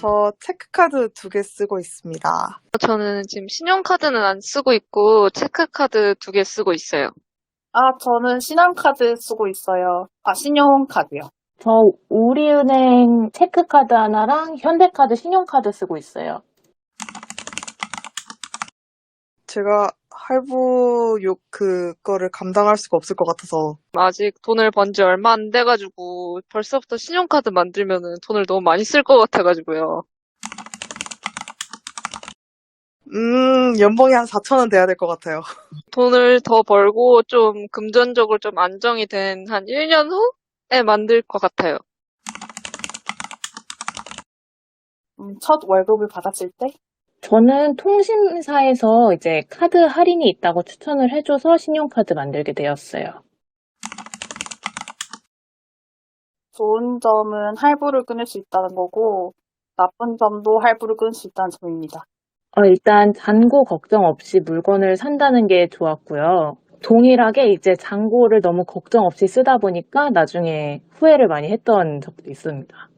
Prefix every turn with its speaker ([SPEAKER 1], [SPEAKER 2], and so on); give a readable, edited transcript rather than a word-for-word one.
[SPEAKER 1] 저 체크카드 2개 쓰고 있습니다.
[SPEAKER 2] 저는 지금 신용카드는 안 쓰고 있고, 체크카드 2개 쓰고 있어요.
[SPEAKER 3] 저는 신한카드 쓰고 있어요. 신용카드요.
[SPEAKER 4] 저 우리은행 체크카드 하나랑 현대카드 신용카드 쓰고 있어요.
[SPEAKER 1] 제가 할부 그거를 감당할 수가 없을 것 같아서.
[SPEAKER 2] 아직 돈을 번지 얼마 안 돼가지고, 벌써부터 신용카드 만들면은 돈을 너무 많이 쓸 것 같아가지고요.
[SPEAKER 1] 연봉이 한 4천 원 돼야 될 것 같아요.
[SPEAKER 2] 돈을 더 벌고 좀 금전적으로 좀 안정이 된 한 1년 후에 만들 것 같아요.
[SPEAKER 3] 첫 월급을 받았을 때?
[SPEAKER 4] 저는 통신사에서 이제 카드 할인이 있다고 추천을 해줘서 신용카드 만들게 되었어요.
[SPEAKER 3] 좋은 점은 할부를 끊을 수 있다는 거고, 나쁜 점도 할부를 끊을 수 있다는 점입니다.
[SPEAKER 4] 일단 잔고 걱정 없이 물건을 산다는 게 좋았고요. 동일하게 이제 잔고를 너무 걱정 없이 쓰다 보니까 나중에 후회를 많이 했던 적도 있습니다.